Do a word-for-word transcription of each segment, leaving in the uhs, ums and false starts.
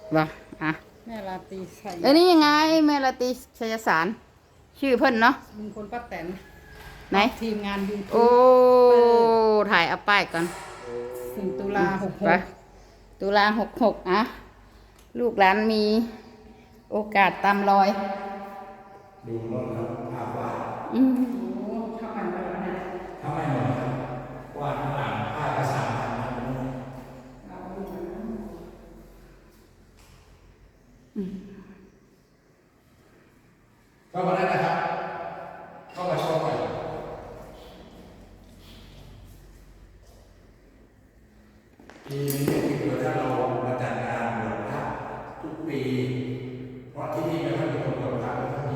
บ่อ่ะแม่ราตรีชัยเอ้ยนี่ยังไงแม่ละติชัยสารชื่อเพิ่นเนาะลุงพลป้าแตนไหนทีมงานยูโอ้ทูบถ่ายเอาป้ายก่อนหนึ่งตุลาหกหไปกตุลาหกหกอ่ะลูกหลานมีโอกาสตามรอยดูรถครับภาพวาดอืมเข้ามาแล้วนะทำไมเหมือนครับวาดต่างภาพภาษาทำมันก็มาได้นะครับเข้ามาชมหน่อยปีนี้คือถ้าเรามาจัดงานบวชพระทุกปีเพราะที่นี่ไม่ค่อยมีคนบวชพระไม่ค่อยมี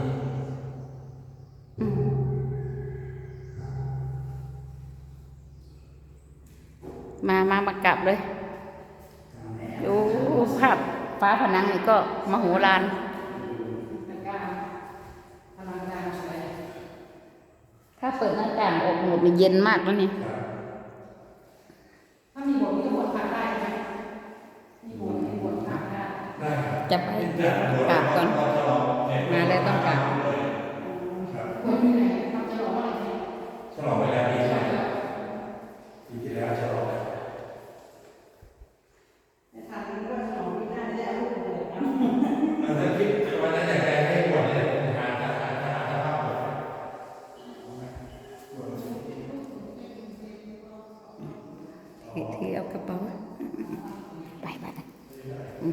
มามามากลับเลยดูภาพฟ้าผนังนี่ก็มโหฬารในการพลังงานสวยถ้าเปิดหน้าต่างออกหมดนี่เย็นมากแล้วนี่ถ้ามีบทก็บทผ่านได้ไหมมีบทมีบทผ่านได้ได้ครับจะไปกราบก่อน มาแล้วต้องกราบคนที่ไหนเขาจะบอกว่าอะไรเนี่ยฉลองเวลาปีใหม่ปีที่แล้วฉลองในทางนี้ก็ฉลองที่หน้าได้เอาลูกเลยนะมันจะคิดวันนั้นอยากจะให้บวชเนี่ยหาหาหาหาหาภาพบวชถือเอากระเป๋าไปไปอืม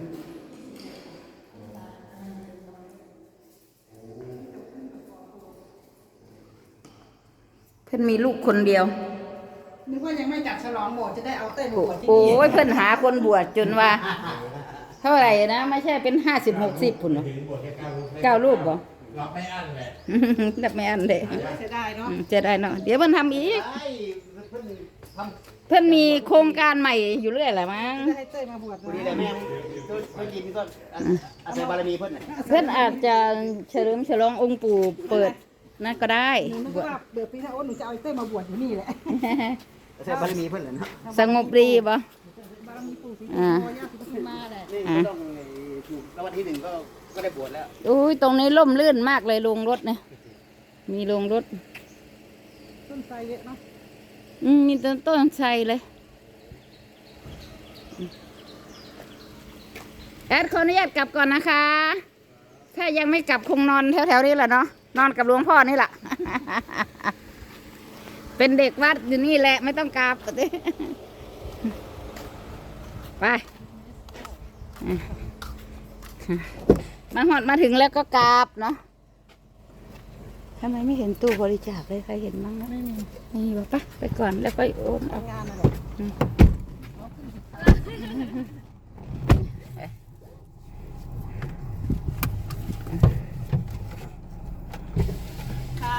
เพื่อนมีลูกคนเดียวนึกว่ายังไม่จัดฉลองโบสถ์จะได้เอาเต้นโอ้บวชที่โอ้นี่ยเพื่อนหาคนบวชจนว่า เท่าไหร่นะ ไม่ใช่เป็นห้าสิบหกสิบพุ่นเหรอเก้ารูปบ่รับไม่อั้นเลยนับไม่อันเลยเสียดายเนาะอืมจะได้เนาะเดี๋ยวมันทำอีกไอ้เพิ่นทำเพื่อนมีโครงการใหม่อยู่เรื่อยแหละมั้งจะให้เต้ยมาบวชพอดีเลยแม่เพิ่นกินก็อาศัยบารมีเพิ่นน่ะเพื่อนอาจจะเฉลิมฉลององค์ปู่เปิดนั่นก็ได้หนูนึกว่าเดี๋ยวปีหน้าโอ้หนูจะเอาเต้ยมาบวชอยู่นี่แหละอาศัยบารมีเพิ่นแหละเนาะสงบดีบ่บารมีปู่ศรีสุโธย่าศรีปทุมมาแหละนี่ก็ต้องถูกรางวัลที่หนึ่งก็ก็ได้บวชแล้วอุ้ยตรงนี้ร่มรื่นมากเลยโรงรถเนี่ยมีโรงรถต้นไทรเยอะเนาะอืมมีต้นต้นไทรเลยแอดขออนุญาตกลับก่อนนะคะ ถ้ายังไม่กลับคงนอนแถวๆนี้แหละเนาะนอนกับหลวงพ่อนี่แหละ เป็นเด็กวัดอยู่นี่แหละไม่ต้องกลับ ไปมาหอดมาถึงแล้วก็กราบเนาะทำไมไม่เห็นตู้บริจาคเลยใครเห็นบ้างนะไม่มีนี่บอกปะไปก่อนแล้วก็โอนเอางานอะไร ค่ะ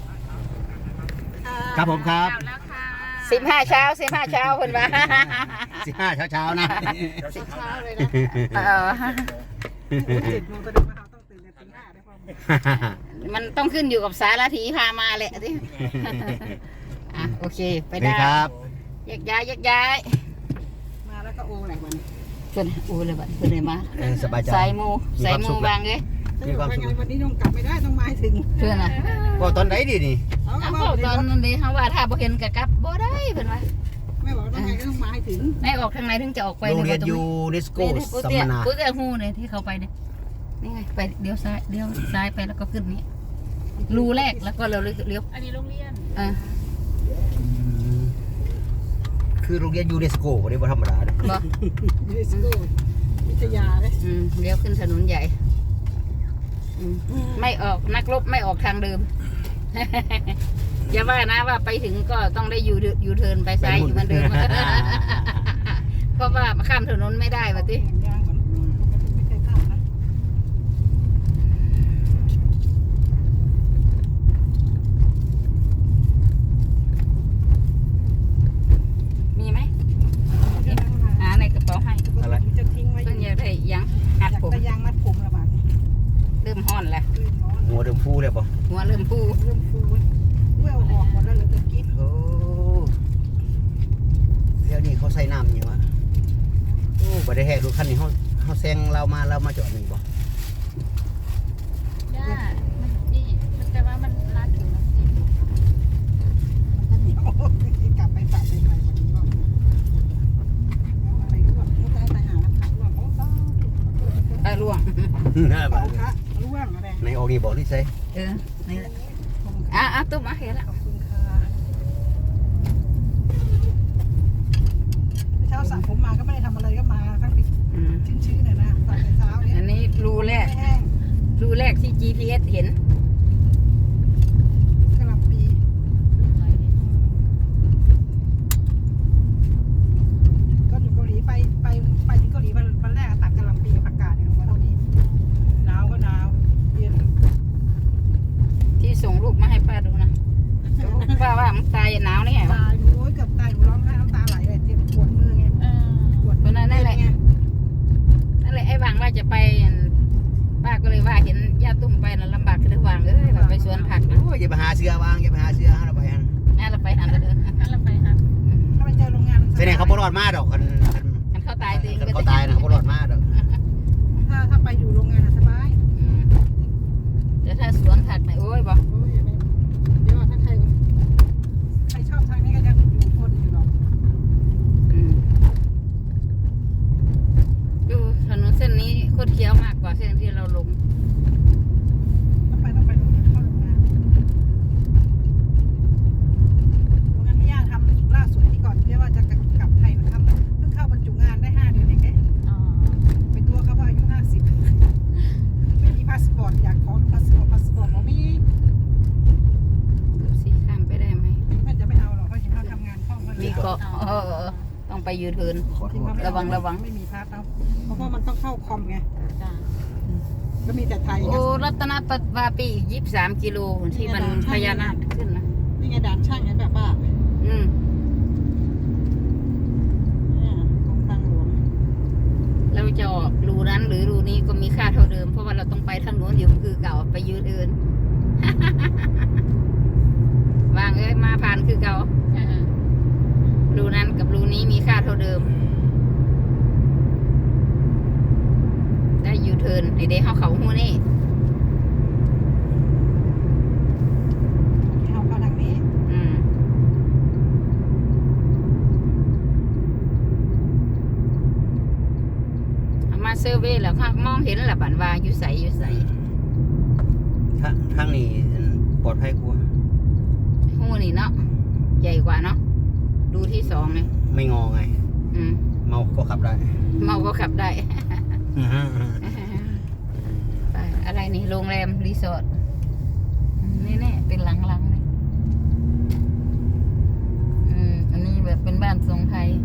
ค่ะครับผมครับสิบห้าเช้าสิบห้าเช้าคนว่าสิบห้าเช้าเช้าๆนะเช้าเลยนะเออเจ็ดโมงแสดงว่าเราต้องตื่นแต่ตีห้าได้ป่ะมันต้องขึ้นอยู่กับสารถีพามาแหละที่ อ่ะโอเคไปนี่ได้ครับแยกย้ายแยกย้ายมาแล้วก็โอ้แหลกมันเพื่อนอูเลยบัดเพื่อนเลยมาเออสบายใจสายมูมีสายความมูสุขบางเลยมีความสุขวันนี้ต้องกลับไม่ได้ต้องมาให้ถึงเพื่อนอ่ะก็ตอนไหนดีนี่เอาเอาก็เว้าบอกตอนนั้นเลยเขาว่าถ้าบ่เห็นกะกลับบ่ได้เพื่อนว่าแม่บอกว่าต้องไงก็ต้องมาให้ถึงในออกทางไหนถึงจะออกไปโรงเรียนตยูเนสโกนี่กูสัมเตี้ยมนากูเตี้ยหูเนี่ยที่เขาไปเนี่ยนี่ไงไปเลี้ยวซ้ายเลี้ยวซ้ายไปแล้วก็ขึ้นนี้รูแรกแล้วก็เราเลี้ยวอันนี้โรงเรียนอ่าอืมคือโรงเรียนยูเนสโกบ่ได้บ่ธรรมดาเด้อบ่ยูเนสโกวิทยาเลยอืมเลี้ยวขึ้นถนนใหญ่อืมไม่ออกนักรบไม่ออกทางเดิม อย่าว่านะว่าไปถึงก็ต้องได้ยูยูเทิร์นไปซ้ายอยู่เหมือนเดิม เพราะว่าข้ามถนนไม่ได้วะติเห็นยางก่อนไม่เคยข้ามนะมีไหมหาในกระเป๋าให้อะไรจะทิ้งไว้อเพิ่งยู่อยากได้ยังหัดอยากผมได้ยางมัดผมละบาทเริ่มห้อนแล้วเริ่มร้อนหัวเดิมฟูเลยป่ะหัวเริ่มปูเริ่มฟูเว้ยเอาออกหมดแล้วเหลือแต่กิ๊บโอ้เดี๋ยวนี้เขาใส่น้ำอย่างวะโอ้บ่ได้แหกรถคันนี้เขาเขาแซงเรามาเรามาจอดนี่บ่ย่ามันนี่แต่ว่ามันรัดถึงแล้วมันก็เหนียวกลับไปตัดไปใหม่วันนี้ก็อะไรร่วงไม่ได้ไปหาแล้วค่ะร่วงโอ้ต้องตาล่วงเป่าคะร่วงอะไรในออกนี่บอกที่ใส่เออนี่แหละอ่ะอ่ะตุ้มมาเห็นแล้วขอบคุณค่ะเช้าสระผมมาก็ไม่ได้ทำอะไรก็มาทั้งปีอืมชื้นๆเลยนะตอนเช้าเนี่ยอันนี้รูแรกไม่แห้งรูแรกที่ จี พี เอส เห็นกระหล่ำปีก็อยู่เกาหลีไปไปไปที่เกาหลีวันวันแรกตัดกระหล่ำปีกับผักกาดเนี่ยลงมาเท่านี้หนาวก็หนาวเย็นที่ส่งรูปมาให้ป้าดูนะป้าว่ามันตายหนาวนี่ไงวะตายโอ้ยเกือบตายหนูร้องไห้น้ำตาไหลเลยเจ็บปวดมือไงปวดเพราะนั้นนั่นแหละไงนั่นแหละไอ้วางว่าจะไปอั่นป้าก็เลยว่าเห็นย่าตุ้มไปน่ะลำบากคือวางเอ้ยแบบไปสวนผักนะโอ้ยอย่าไปหาเสือวางอย่าไปหาเสือหาเราไปฮะน่าเราไปหันแล้วเด้อน่าเราไปหันถ้าไปเจอโรงงานมันแสดงเขาบ่รอดมาดอกคันคันมันเข้าตายตัวเองคันเขาตายนะเขาบ่รอดมาดอกถ้าถ้าไปอยู่โรงงานอะสบายอืมแต่ถ้าสวนผักเนี่ยโอ้ยบอกโอ้ยอย่าไปเดี๋ยวถ้าใครใครชอบทางนี้ก็จะอยู่ทนอยู่หรอกอืมดูถนนเส้นนี้โคตรเคี้ยวมากกว่าเส้นที่เราลงต้องไปต้องไปโรงงานเข้าโรงงานโรงงานที่ย่าทำล่าสุดที่ก่อนเรียกว่าจะกลับไทยมาทำเพิ่งเข้าบรรจุงานได้ห้าเดือนเองเอ๊ะไปตัวเขาว่าอายุห้าสิบไม่มีพาสปอร์ตอยากขอพาสปอร์ตพาสปอร์ตบอกมีดูสิข้ามไปได้ไหมแม่จะไม่เอาหรอกเพราะเห็นเขาทำงานคล่องเขามีเกาะเออเออต้องไปยูเทิร์นขอโทษระวังระวังไม่มีพาสเอาเพราะว่ามันต้องเข้าคอมไงก็มีแต่ไทยไงโอ้รัตนปวาปีอีกยี่สิบสามกิโลที่มันพญานาคขึ้นนะนี่ไงด่านช่างไงแบบว่าอืมเนี่ยกรมทางหลวงเราจะออกรูนั้นหรือรูนี้ก็มีค่าเท่าเดิมเพราะว่าเราต้องไปทางโน้นอยู่คือเก่าไปยูเทิร์น วางเอ้ยมาผ่านคือเก่ารูนั้นกับรูนี้มีค่าเท่าเดิม ได้ยูเทิร์นในเดย์เขาเขาหูนี่ที่เขาเข้าทางนี้อืมเอามาเซอร์เวย์แล้วค่ะมองเห็นแหละบันว่าอยู่ใสอยู่ใสทางทางนี้ปลอดภัยกว่าหูนี่เนาะใหญ่กว่าเนาะดูที่สองเลยไม่งอไงอืมเมาก็ขับได้เมาก็ขับได้อือฮึไปอะไรนี่โรงแรมรีสอร์ทนี่แน่ๆเป็นหลังๆเลยอืมอันนี้แบบเป็นบ้านทรงไทย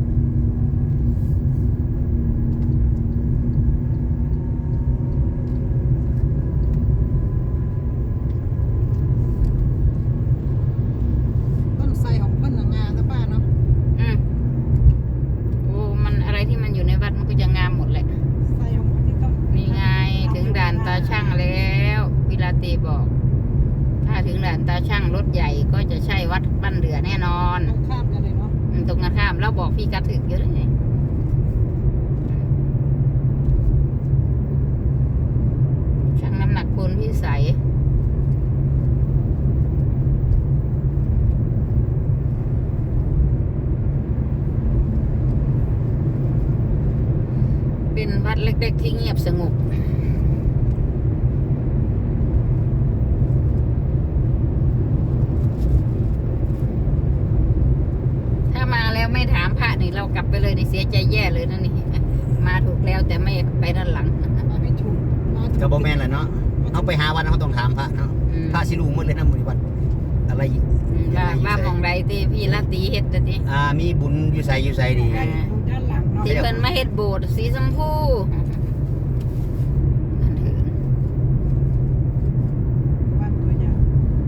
ต้นไทรของเพิ่นน่ะงามนะป้าเนาะอืมโอ้มันอะไรที่มันอยู่ในวัดมันก็จะงามหมดแหละไทรของเพิ่นที่ต้องนี่ไงถึงด่านตาช่างแล้ววิลาเตบอก ถ้าถึงด่านตาช่างรถใหญ่ก็จะใช่วัดบ้านเดือแน่นอนตรงข้ามกันเลยเนาะอืมตรงกันข้ามแล้วบอกพี่กัดถึกเยอะเลยช่างน้ำหนักพลพิสัยเป็นวัดเล็กๆที่เงียบสงบ ถ้ามาแล้วไม่ถามพระนี่เรากลับไปเลยนี่เสียใจแย่เลยนะนี่ มาถูกแล้วแต่ไม่ไปด้านหลังมาไม่ถูกมาถูก็บ่แม่นแหละเนาะเอาไปหาวันเขาต้องถามพระเนาะอืมพระสิรู้หมดเลยนะมื้อนี้วัดอะไรอีกอืมว่าว่าหมองใดที่พี่ละตีเฮ็ดน่ะติอ่ามีบุญอยู่ไสอยู่ไสดีได้อยู่ด้านหลังเนาะที่เพิ่นมาเฮ็ดโบสถ์สีชมพูอันเถินบ้านตัวอย่าง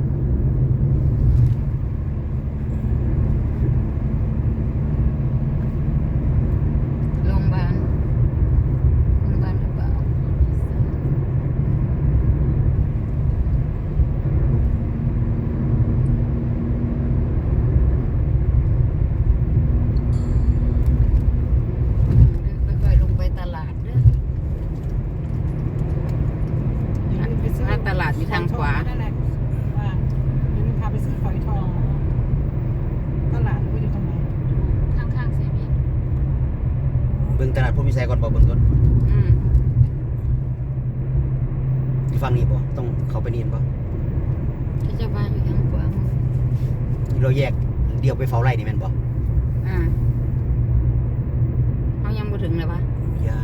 โรงพยาบาลโรงพยาบาลหรือเปล่าค่อยๆลงไปตลาดเด้างขวานั่นแหละว่าเดี๋ยวนึงพาไปซื้อฝอยทองตลาดรู้อยู่ตรงไหนข้างๆเซเว่นเบิ่งตลาดผู้มีแสก่อนบ่เบิ่งก่อนอืมอยู่ฝั่งนี้บ่ต้องเข้าไปนี่บ่ที่จะว่าอยู่ทางขวามือที่เราแยกเดียวไปเฝ้าไร่นี่แม่นบ่อ่าเขายังบ่ถึงเลยวะยัง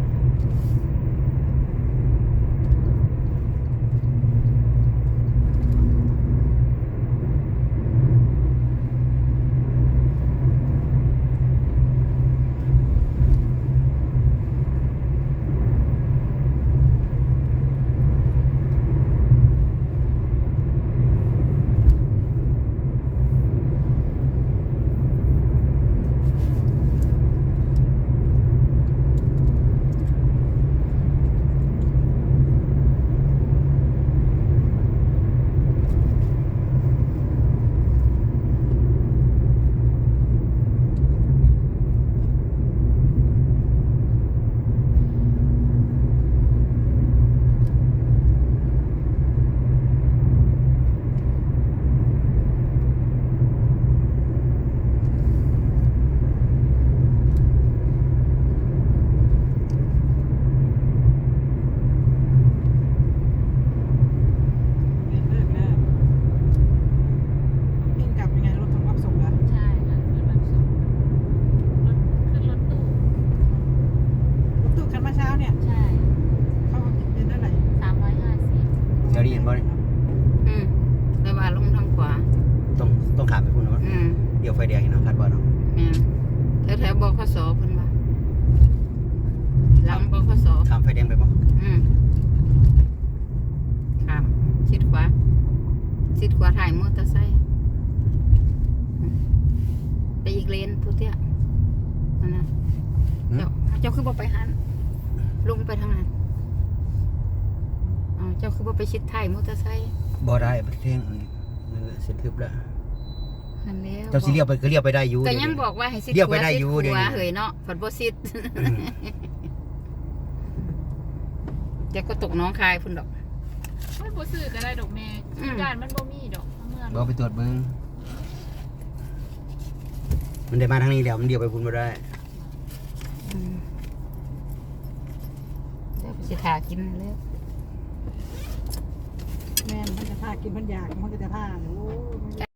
เรียนเลิกแล้วพี่กลับยังไงรถทำรับส่งเหรอใช่ค่ะรถแบบส่งรถขึ้นรถตู้รถตู้คันเมื่อเช้าเนี่ยใช่เขาเรียนเท่าไหร่สามร้อยห้าสิบเดี๋ยวนี้เห็นบ่นี่อืมแต่ว่าลงทางขวาต้องต้องข้ามไปพุ่นเนาะอืมเดี๋ยวไฟแดงนี่เนาะคาดว่าเนาะแม่นแถวๆบขสเพิ่นว่าหลังบขสข้ามไฟแดงไปบ่อืมข้ามชิดขวาชิดขวาถ่ายมอเตอร์ไซค์อืมไปอีกเลนพุทธิะนั่นน่ะเจ้าเจ้าคือบ่ไปหันลงไปทางนั้นอ้าวเจ้าคือบ่ไปชิดถ่ายมอเตอร์ไซค์บ่ได้ประเทศอันนี้นั่นแหละเส้นทึบแล้วหันแล้วเจ้าสิเลี้ยวไปก็เลี้ยวไปได้อยู่ก็เดี๋วยังนี้บอกว่าให้ชิดเดี๋ยวขไปวาได้ชิดอยู่ขเดี๋ยววานี้เฮ้ยเนาะฝันบ่ชิดอืมเดี๋ยวก็ตกหน้องคายพุ่นดอกไม่บ่ซื้อก็ได้ดอกแม่อืมการมันบ่มีดอกเมื่อบ่ไปตรวจเบิ่งมันได้มาทางนี้แล้วมันเดียวไปพุ่นบ่ได้อืมเดี๋ยวไปสิทากินแล้วแม่นมันจะท่ากินมันอยากมันก็จะท่าโอ้ย